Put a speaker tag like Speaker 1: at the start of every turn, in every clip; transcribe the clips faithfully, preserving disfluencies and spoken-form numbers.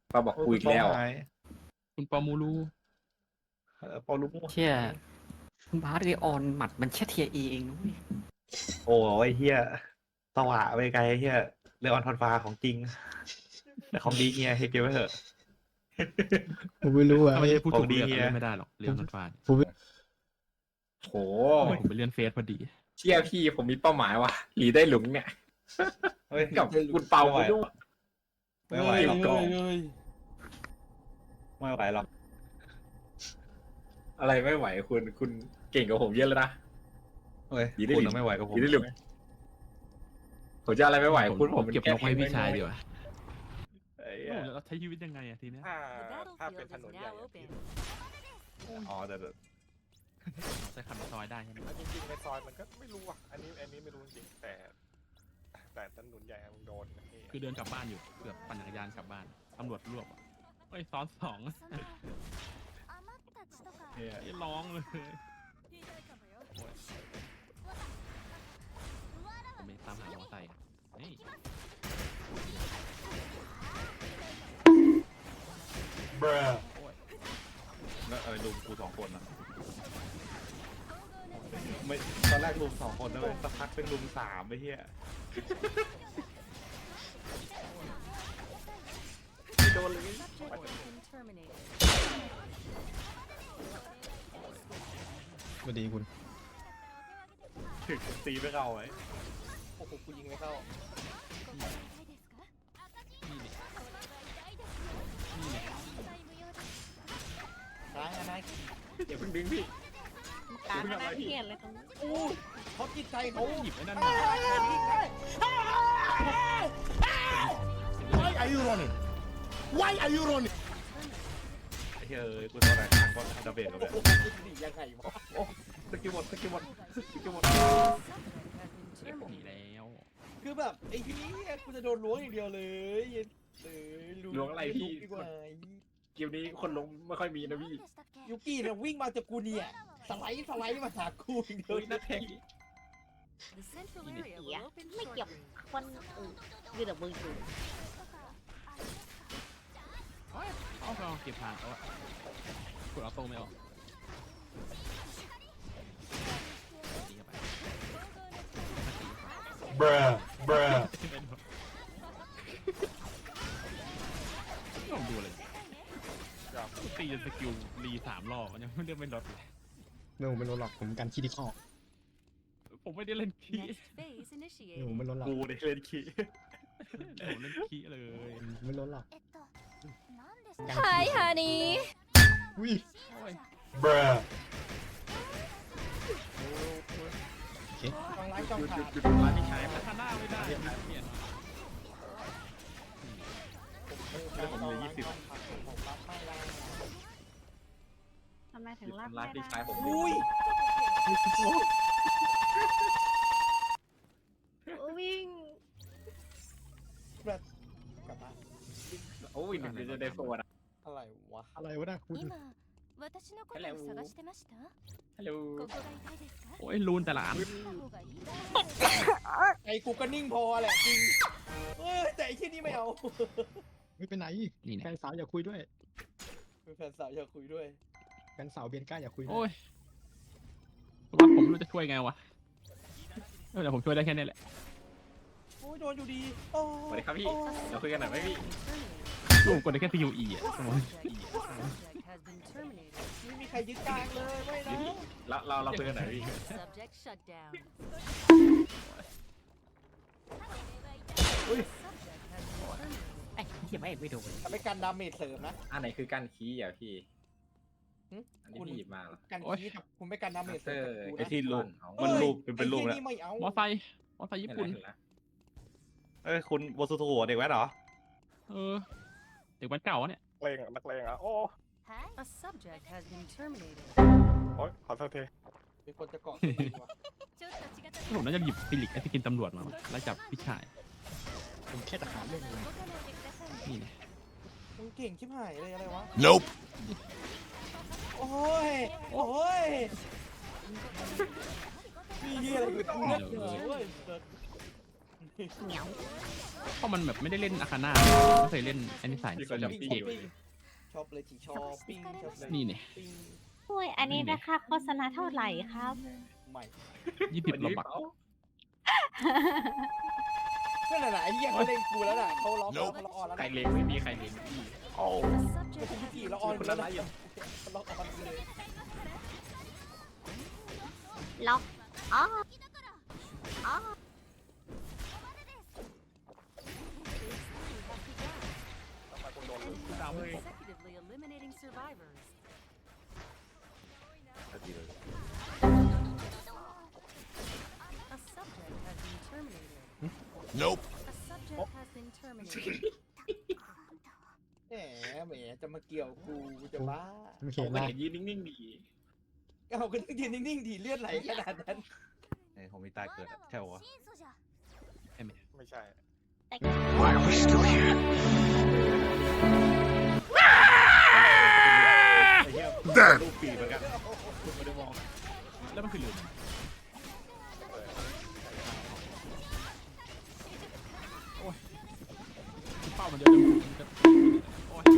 Speaker 1: ป้าบอกคุยแล้ว
Speaker 2: คุณปอมูรู
Speaker 3: ปอลูก
Speaker 4: เชี่ยคุณบาสไอออนหมัดมันแค่เทียเอเองนุ้ย
Speaker 3: โอ้ยเฮียสว่างไปไกลเฮียเรือออนทอนฟ้าของจริงแต่ของดีเฮียให้เก็บไว้เถอะ
Speaker 5: ผมไม่รู้อ่ะ
Speaker 2: ถ้าไม่ได้พูด
Speaker 3: ของ
Speaker 2: ถูก
Speaker 3: ดี
Speaker 2: เรื่อง
Speaker 3: เฮีย
Speaker 2: เล่นไม่ได้หรอกเรื่องนันฟาน
Speaker 5: ผม
Speaker 1: โห
Speaker 2: ผมไปเลื่อนเฟซพอดี
Speaker 1: เชี่ยพี่ผมมีเป้าหมายว่ะหลีได้หลุมเนี่ย
Speaker 3: เฮ้ย
Speaker 1: กับคุณเปาไปด้วย
Speaker 3: ไม่ไหวหรอก
Speaker 1: ก่อน
Speaker 3: ไม่ไหวหรอก
Speaker 1: อะไรไม่ไหวคุณคุณเก่งกว่าผมเยอะแล้วนะ
Speaker 3: เฮ้ย
Speaker 1: ดีได้
Speaker 3: คุณ
Speaker 1: หลิ
Speaker 3: น่ะไม่ไหวกับผม
Speaker 1: หลีได้หลุมผมจะอะไรไม่ไหว
Speaker 2: ผม
Speaker 1: คุณผม
Speaker 2: เก็บนกให้พี่ชายดีกว่า
Speaker 3: ไอ้
Speaker 2: โอ้
Speaker 3: เหี้ย
Speaker 2: แล้วใช้ชีวิตยังไงอะทีเนี้ย
Speaker 6: ถ้าถ้าเป็นถนนใหญ่อะ
Speaker 3: อ๋อแต่แต่
Speaker 2: ใช้คันซอยได้ใช่ไหม
Speaker 6: จริงๆในซอยมันก็ไม่รู้อ่ะ อันนี้อันนี้ไม่รู้จริงๆแต่ แต่ถนนใหญ่อะมึงโดนนะพี่
Speaker 2: คือเดินกลับบ้านอยู่เกือบปั่นจักรยานกลับบ้านตำรวจรวบอะเฮ้ยซ้อนสอง
Speaker 3: เหี้ย
Speaker 2: ไอ้ร้องเลยผมไปตามหามอเตอร์ไซค์นี่
Speaker 3: แล้วอะไรลุมกูสองคนนะไม่ตอนแรกลุมสองคนนะเว้ยสักพักเป็นลุมสามไอ้เหี้ย
Speaker 1: โดนเลย
Speaker 5: สวัสดีคุณ
Speaker 3: ถึงตีไม่เข้าไว้
Speaker 6: โอ้โหกูยิงไม่เข้า
Speaker 2: นี่เนี่ยนี่เนี่ย
Speaker 6: ร้ายอะไร
Speaker 1: อย่าเพิ่งดึงพี่
Speaker 7: การมานั่งเขียนเลยตรงนี้
Speaker 6: อู้เขาจิตใจเขา
Speaker 2: เขาหยิบไอ้นั่นมา
Speaker 6: Why are you running Why are you running
Speaker 3: ไอ้เหี้ยเอ้ยกูตอนไหนทางก็ทำดาเบจกับเนี่ย
Speaker 6: โอ้โหดียังไงวะ
Speaker 3: โอ้สกิลหมดสกิลหมดสกิลหมด
Speaker 2: หนีแล้ว
Speaker 6: คือแบบไอ้ที่นี้กูจะโดนล้วงอย่างเดียวเลยเลย
Speaker 1: ล้วงอะไรพี่
Speaker 6: ดีกว่า
Speaker 1: เกมนี้คนลงไม่ค่อยมีนะพี่
Speaker 6: ยูกี้เนี่ยวิ่งมาจากกูเนี่ยสไลด์สไลด์มาหากูอย่างเดียว
Speaker 1: เฮ้ยนักแข่ง
Speaker 7: เสียไม่เกี่ยวคนอื่นยืนแต่มืออยู่
Speaker 2: เอาเราเก็บทางเอาอะคุณเอาโต้ไม่ออกตีเข้าไป
Speaker 3: bruh bruh
Speaker 2: ลองดูเลยตีจนสกิลรีสามรอบมันยังไม่ได้เป็นรถเลย
Speaker 5: ไม่ผมไม่ลดหรอกผมกันคิดที่ข้อ
Speaker 2: ผมไม่ได้เล่นคี
Speaker 5: ไม่ผมไม่ลดหรอก
Speaker 3: กูเนี่ยเล่นขี้
Speaker 2: ผมเล่นคีเลย
Speaker 5: ไม่ลดหรอก
Speaker 7: Hi honey
Speaker 5: อุ้ย
Speaker 3: bruh
Speaker 5: โอเค
Speaker 6: ทางไลฟ์ต้อง
Speaker 1: หยุดห
Speaker 6: ขา
Speaker 1: ยุด
Speaker 6: ด
Speaker 1: หยุดร้านที่ใช้
Speaker 2: แต่ถ้าหน้าไม่ได้เปลี่ยนมา
Speaker 3: ผมเหลือยี่สิบ
Speaker 6: ผมรับไม่ได้
Speaker 7: ทำไมถึง
Speaker 1: หยุด
Speaker 7: รับ
Speaker 1: ร้า
Speaker 7: ไม่
Speaker 1: นที่
Speaker 7: ได้
Speaker 1: ใช้ผม
Speaker 6: อุ้ย
Speaker 7: วิ่ง
Speaker 6: แบบกลับบ้าน
Speaker 1: โอ้ยหนึ่งเดือนจะได้โฟนอะ
Speaker 6: อะไรวะ
Speaker 5: อะไรวะนะคุณ
Speaker 7: 私のことを探してました
Speaker 1: ฮัลโหล
Speaker 7: ここが痛いですか
Speaker 2: โอ้ยรูนแต่ละอัน
Speaker 7: 方がいい
Speaker 6: ไอ้กูก็นิ่งพอแหละจริงเออแต่ไอ้ที่นี่ไม่เอา
Speaker 5: ไม่เป็นไหน
Speaker 2: นี่
Speaker 5: แฟ
Speaker 2: เนี่ย
Speaker 5: นสาวอยากคุยด้วย
Speaker 6: เป็นแฟนสาวอยากคุยด้วย
Speaker 5: แฟนสาวเบียนก้าอยากคุยด้
Speaker 2: โอ้
Speaker 5: วย
Speaker 2: ยว่าผมไม่รู้จะช่วยไงวะแต่ผมช่วยได้แค่นี้แหละ
Speaker 6: โอ้ยโดนอยู่ดีโอ้
Speaker 1: สวัสดีครับพี่เราคุยกันหน่อยไหมพี่
Speaker 2: รูมกดได้แค่ซีอูอีอ่ะสมมติ
Speaker 6: ไม่มีใครยึดกลางเลยไม่นะ
Speaker 1: เราเราเราคุยกันหน่อยพี่
Speaker 7: Subject shut down
Speaker 4: ไอ้เหี้ยไม่ไม่โดน
Speaker 6: ทำให้การดาเมจเสริมนะ
Speaker 1: อันไหนคือการคีย์อ่ะพี่
Speaker 6: หึ
Speaker 1: อันนี้พี่หยิบมาเหรอ
Speaker 6: การคีดคุณไม่การดาเมจเสริมกับกู
Speaker 3: ไอ้
Speaker 6: นะ
Speaker 3: ที่รูป
Speaker 1: เอา
Speaker 3: มันรูปเป็นเป็นรูป
Speaker 6: ไอ้
Speaker 3: แล้ว
Speaker 6: ที่นี่ไม่เอา
Speaker 2: มอไซค์มอไซค์ญี่
Speaker 1: เห็น
Speaker 2: ปุ่น
Speaker 1: แล้ว
Speaker 3: เอ้ยคุณโบสุโตะเด็กแว้นเหรอ
Speaker 2: เออเด็กวันเก่าเนี่ย
Speaker 6: เลงอ่ะนักเลงอ่ะโอ้
Speaker 7: A subject has been terminated
Speaker 6: โอ้ยขอโทษทีมีคนจะเกาะ
Speaker 2: ผมน่าจะหยิบฟิลิกไอ้ที่กินตำรวจมาแล้วจับพี่ชาย
Speaker 5: ผมแค่ทหารเรื่องนึง
Speaker 2: นี่ไง
Speaker 6: มึงเก่งชิบหายเลยอะไรวะ
Speaker 3: nope
Speaker 6: โอ้ยโอ้ยมีเหี้ยอะไรอยู่ตรงนี้เว้ย
Speaker 7: เหนียว
Speaker 2: เพราะมันแบบไม่ได้เล่นอาคาน่าไม่เคยเล่นอันนี้สาย
Speaker 1: พี่ก็จะ
Speaker 2: เก
Speaker 1: เก็บ
Speaker 2: ม
Speaker 1: เลย
Speaker 8: ชอบเลยจีชอบปิ้งชอบเลย
Speaker 2: นี่เนี่ย
Speaker 8: ปิ้ง
Speaker 7: โอ้ยอันนี้นะคะโฆษณาเท่าไหร่ครับ
Speaker 8: ใหม่
Speaker 2: ยี่สิบ
Speaker 1: วัน
Speaker 2: โล
Speaker 1: นี้
Speaker 2: บัก
Speaker 1: เปล่า
Speaker 8: นั่นแหละไอ้เหี้ยเขาเล่นกูแล้วน่ะเขาร้องเขาร้องออนแล้ว
Speaker 1: ใคร
Speaker 8: นะ
Speaker 1: เลงไม่มีใครเลงพี่
Speaker 3: โอ้
Speaker 8: ไม่ใช่พี่จีร้องออน
Speaker 1: คน
Speaker 8: แล้
Speaker 1: ละ
Speaker 8: ว
Speaker 1: ไร
Speaker 8: นะ
Speaker 1: อยู่
Speaker 8: เขาร้องออนเลย
Speaker 7: ล็อกอ๋ออ๋อ
Speaker 6: ทำไมคุณโดน
Speaker 2: ดาวไม่ครบ
Speaker 9: Consecutively eliminating survivors.
Speaker 3: ดีเลย
Speaker 9: A subject has been terminated.
Speaker 6: Nope.
Speaker 9: A subject has been terminated.
Speaker 8: แหมแหมจะมาเกี่ยวกูกูจะบ้า
Speaker 5: ไม่
Speaker 1: ผ
Speaker 5: เห็
Speaker 1: ม
Speaker 5: น
Speaker 1: ก็
Speaker 5: นะ
Speaker 1: เห็นยืนนิ่งๆดี
Speaker 8: เอาก็ยืนนิ่งๆดีเลือดไหลขนาดนั้น
Speaker 3: ไอ้ของมีตาเกิดอะใช่ปะวะ
Speaker 6: ไม่ใช่
Speaker 7: แต่
Speaker 3: ไอ้เหี้ยลูกปีเหมือนกันคุณไม่ได้มอง
Speaker 2: แล้วมันคือลืมโอ้ยเป้ามันเยอะจังมันจะโอ้ย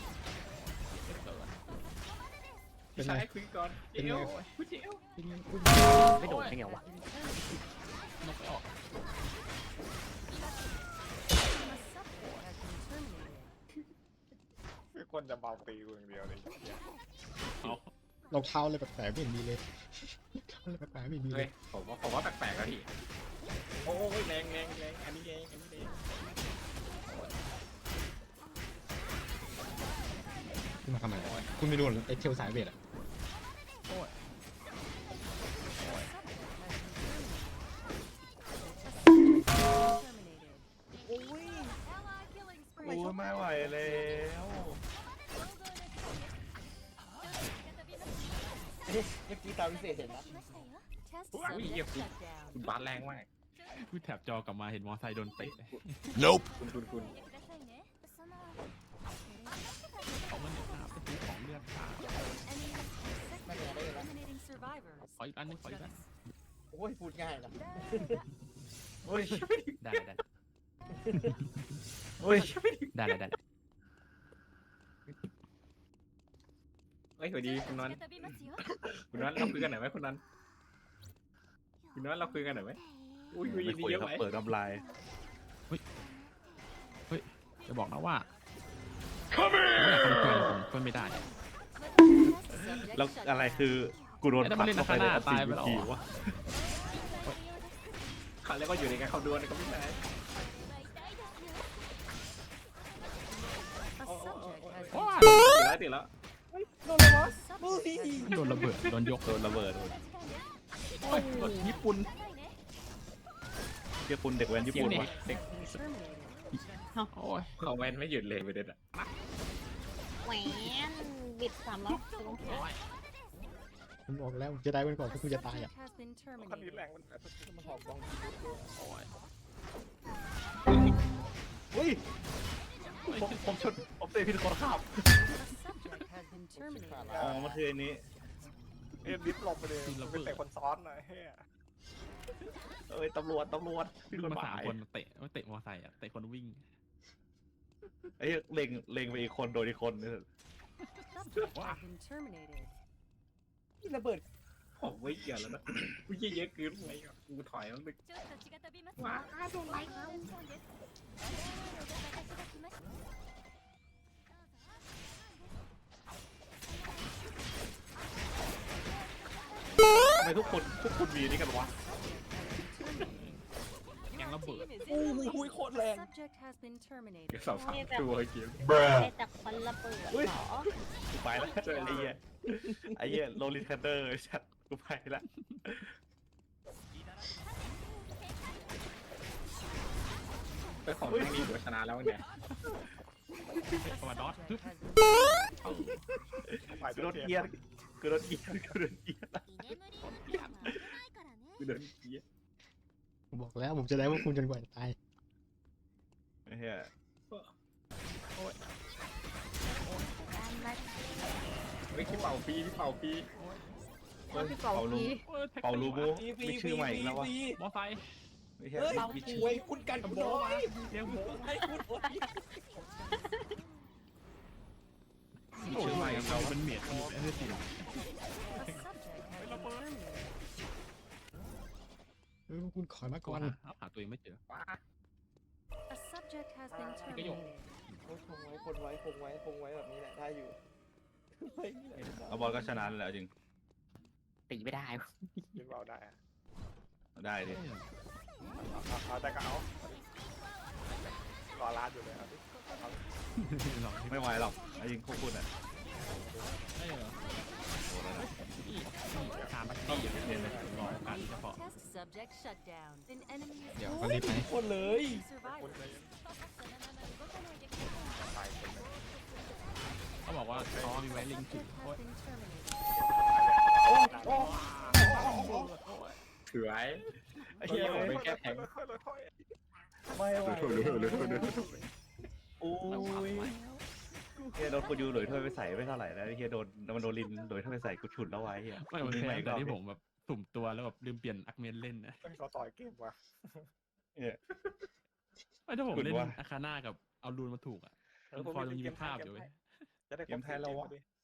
Speaker 5: เป็น
Speaker 1: ใช้
Speaker 5: ไง
Speaker 1: คุยก่อนเจียวคุยเจียว
Speaker 4: ไม่โดนได้ไงวะ
Speaker 2: นกไปออก
Speaker 9: A subject has been terminated.
Speaker 6: คือคนจะเบาตีกูอย่างเดียวเลย
Speaker 2: เอา
Speaker 5: รองเท้าเลยแปลกๆไม่เห็นมีเลยรองเท้าเลยแปลกๆไม่มีเล
Speaker 1: เฮ้ย
Speaker 5: ย
Speaker 1: ผมว่าผมว่าแปลกๆแล้วพี่โอ้ยแรงแรงแรงอันนี้แรงอันนี้แรง
Speaker 5: คุณมาทำอะไรคุณไม่โดนไอ้เทลสายเวทอะ
Speaker 9: Terminated.
Speaker 8: โอ้ย
Speaker 9: Ally killing
Speaker 3: โอ้
Speaker 9: spree.
Speaker 3: ยไม่ไหวแล้ว
Speaker 8: เอ๊ะเมื่อกี้ตามพิเศษเห็นนะ
Speaker 9: Test
Speaker 1: อุ้ยเหี้ย
Speaker 9: subject
Speaker 1: คุณ
Speaker 9: shut down.
Speaker 1: คุณบาสแรงมาก
Speaker 2: คือแถบจอกลับมาเห็นมอไซค์โดนเตะ
Speaker 6: Nope.
Speaker 1: คุณคุณคุณ
Speaker 2: เขามันเนี่ยครับไปซื้อของเลือดขา
Speaker 9: Enemy
Speaker 8: ไม่เป็นไรได้แล้ว
Speaker 9: eliminating survivors.
Speaker 2: ขออีกอันนึงขออีกอัน
Speaker 8: โอ้ยพูดง่ายนะ
Speaker 3: โอ้ย
Speaker 2: ได้ได้
Speaker 3: โอ้ย
Speaker 2: ได้ได้ได้
Speaker 1: เฮ้ยสวัสดีคุณนอนคุณนอนเราคุยกันหน่อยไหมคุณนอนคุณนอนเราคุยกันหน่อยไหมอุ้ยคุย
Speaker 3: ไม่
Speaker 1: ดี
Speaker 3: คุย
Speaker 1: เยอะ
Speaker 3: ครับ
Speaker 1: ไหม
Speaker 3: เปิดน้ำลาย
Speaker 2: จะบอกนะว่าไม่อยากเป็นเพื่อนผมเพื่อนไม่ได้
Speaker 9: Subject
Speaker 3: แล้ว
Speaker 9: shut
Speaker 3: อะไร
Speaker 9: down.
Speaker 3: คือกูโดน
Speaker 2: ไอ้นั่น
Speaker 3: ปั
Speaker 2: มัน
Speaker 3: ก
Speaker 2: เล่น
Speaker 3: เข้าไปใน
Speaker 2: อา
Speaker 3: อั
Speaker 2: คา
Speaker 3: ต
Speaker 2: น่า
Speaker 3: ติ
Speaker 2: ตายไป
Speaker 3: วิ
Speaker 2: แล้ว
Speaker 3: ธี
Speaker 2: เหรอ
Speaker 3: วะ
Speaker 1: เขาเรียกว่าอยู่ในการเขาดวลก็ไม่ได้
Speaker 9: A subject has
Speaker 2: ว้า
Speaker 9: been
Speaker 1: ติดแล้วติดแล้ว
Speaker 8: โดนเลยวะ
Speaker 9: subject has been
Speaker 2: โดนระเบิดโดนยก
Speaker 3: โดนระเบิด
Speaker 2: โอ้ยรถญี่ปุ่น
Speaker 3: เรียกคุณเด็กแว้นญี่ปุ่น
Speaker 2: เสียง
Speaker 3: วะ
Speaker 1: เด็ก
Speaker 9: terminated.
Speaker 2: โอ้ย
Speaker 1: เขาแวนไม่หยุดเลยประเด็นอะ
Speaker 7: แหวนบิดสามร้อยสิบองศา
Speaker 5: ผมบอกแล้วผมจะได้เป็นก่อน
Speaker 9: A
Speaker 5: ที่คุณจะตายอ่ะ
Speaker 9: subject has been
Speaker 6: คันนี้
Speaker 9: terminated.
Speaker 6: แรงมันแบบ
Speaker 8: มันหอกบอง
Speaker 3: เฮ้ยผมผมชนผมเตะผิดคนขับ
Speaker 9: A subject has been terminated.
Speaker 3: อ๋อมันคืออันนี้
Speaker 6: เอ็นดิฟหลบไปเลยมันเป็นเตะคนซ้อนหน่อยเฮ้ย
Speaker 3: เอ้ยตำรวจตำรวจผิดกฎ
Speaker 2: มา
Speaker 3: ห
Speaker 2: สาม
Speaker 3: มาย
Speaker 2: คนเตะเตะมอไซค์อ่ะเตะคนวิ่ง
Speaker 3: ไอ้เหี้ยเล็งเล็งไปอีกคนโดนอีกคนเนี่ย
Speaker 9: Subject has been terminated.
Speaker 8: ที่ระเบิด
Speaker 1: ผมไม่เกี่ยวแล้วนะกูเยอะเยอะเกินไปอ่ะกูถอยแล้วนึกว้าโดนไล่แล้ว
Speaker 3: ทำไมทุกคนทุกคนมีนี่กันวะ
Speaker 2: แกงระเบิด
Speaker 8: โอ้โหโคตรแรง
Speaker 9: Subject has been
Speaker 1: เดี๋ยว
Speaker 9: terminated.
Speaker 1: สาวสามตัวเกม
Speaker 7: ได้จากคนระเบิดเหรอ
Speaker 3: กูไปแล้วไอ้เหี้ยไอ้เหี้ยโรลิเทนเดอร์ชัดกูไปแล้ว
Speaker 1: ไปของแม่งนี่หัวชนะแล้วเนี่ย
Speaker 2: ประมาณดอทปึ๊บ
Speaker 6: ฝ่าย
Speaker 3: กู
Speaker 6: โด
Speaker 3: โด
Speaker 6: น
Speaker 3: น
Speaker 6: เกี
Speaker 3: เกี
Speaker 6: ย
Speaker 3: ย
Speaker 6: ร์
Speaker 3: ร์กูโดนเกียร์กูโดนเกียร์
Speaker 1: กูเดินเกียร์
Speaker 5: ผมบอกแล้วผมจะได้ว่าคุณจนกว่าจะตาย
Speaker 3: ไอ้เหี้ย
Speaker 1: ไม่ใช่เป่าปีที่เป่าปี
Speaker 3: เป่าลูเป่าลูบูมีชื่อใหม่อีกแล้ววะ
Speaker 2: มอไซค์
Speaker 3: ไม่ใช่
Speaker 8: เฮ้ย
Speaker 3: วิ
Speaker 8: ป่วยคุณกันกูน้อย
Speaker 2: เดี๋ยวผม
Speaker 8: ให้กูน้อย
Speaker 2: โอ้ยไม่เราเป็นเมียดมันเป็นเรื่องจริง
Speaker 9: A subject has been terminated.
Speaker 5: เออคุณขอมา
Speaker 2: ก่
Speaker 5: ก่
Speaker 2: อ
Speaker 5: อน น
Speaker 2: หาหาตัวเองไม่เจอ
Speaker 9: A subject has been
Speaker 2: Cái dụng.
Speaker 9: terminated.
Speaker 8: คงไว้คงไว้คงไว้คงไว้แบบนี้แหละได้อยู่ไว้นี่แหละ
Speaker 3: เอาบอลก็ชนะแล้วจริง
Speaker 4: ตีไม่ได้
Speaker 6: ยิงเบาได้อะ
Speaker 3: ได้ดิ
Speaker 6: เอาเอาเอาแต่ก็เอารอลาดอยู่เลยเอาดิเอาดิ
Speaker 2: ลองที่
Speaker 3: ไม่ไหวหรอกเอาจริงพวกคุณอ่ะ
Speaker 2: ได้เหรอ
Speaker 3: โอ้แล้วนะ
Speaker 2: นี่นี่ทานบัตตี้อย่างเดียวเลยรอโอกาสเฉพาะ
Speaker 9: Test subject shut down. An enemy is
Speaker 5: เดี๋ยวก็รีบไป
Speaker 8: คนเลย
Speaker 6: คุณ
Speaker 9: survivors.
Speaker 6: เลยตายคนเลย
Speaker 2: เขาบอกว่าเขามีไว้ลิงก์ถึง
Speaker 9: Subject
Speaker 2: โอ้ย
Speaker 9: has been terminated.
Speaker 8: โอ้
Speaker 1: ถือไว้ไอ้เหี้ยผมไปแก้แทง
Speaker 6: ค่อยๆค่อย
Speaker 8: ไม่ไหว
Speaker 3: โอ้ยเฮียโดนคุณยูหลุยถ้วยไปใส่ไม่เท่าไหร่แล้วเฮียโดนมันโดนลินหลุยถ้วยไปใส่กูฉุดแล้วไว้เฮีย
Speaker 2: ไม่มันแค่แต่ที่ผมแบบสุ่มตัวแล้วแบบลืมเปลี่ยนอักเมนเล่นนะ
Speaker 6: ๆเฮ้ยเขาต่อยเกมว่ะ
Speaker 2: ไม่ถ้าผม
Speaker 3: คุณ
Speaker 2: เล่น
Speaker 3: ว่า
Speaker 2: อาคาน่ากับเอารูนมาถูกอ่ะ
Speaker 6: เออผม
Speaker 2: คอย
Speaker 6: มี
Speaker 2: มัน
Speaker 6: เก
Speaker 2: มี
Speaker 6: ม
Speaker 2: ภาพ
Speaker 6: เก
Speaker 2: อยู่
Speaker 6: ม
Speaker 2: เว้ย
Speaker 6: จะได้
Speaker 3: เกมไทยเราวะ
Speaker 6: ดิ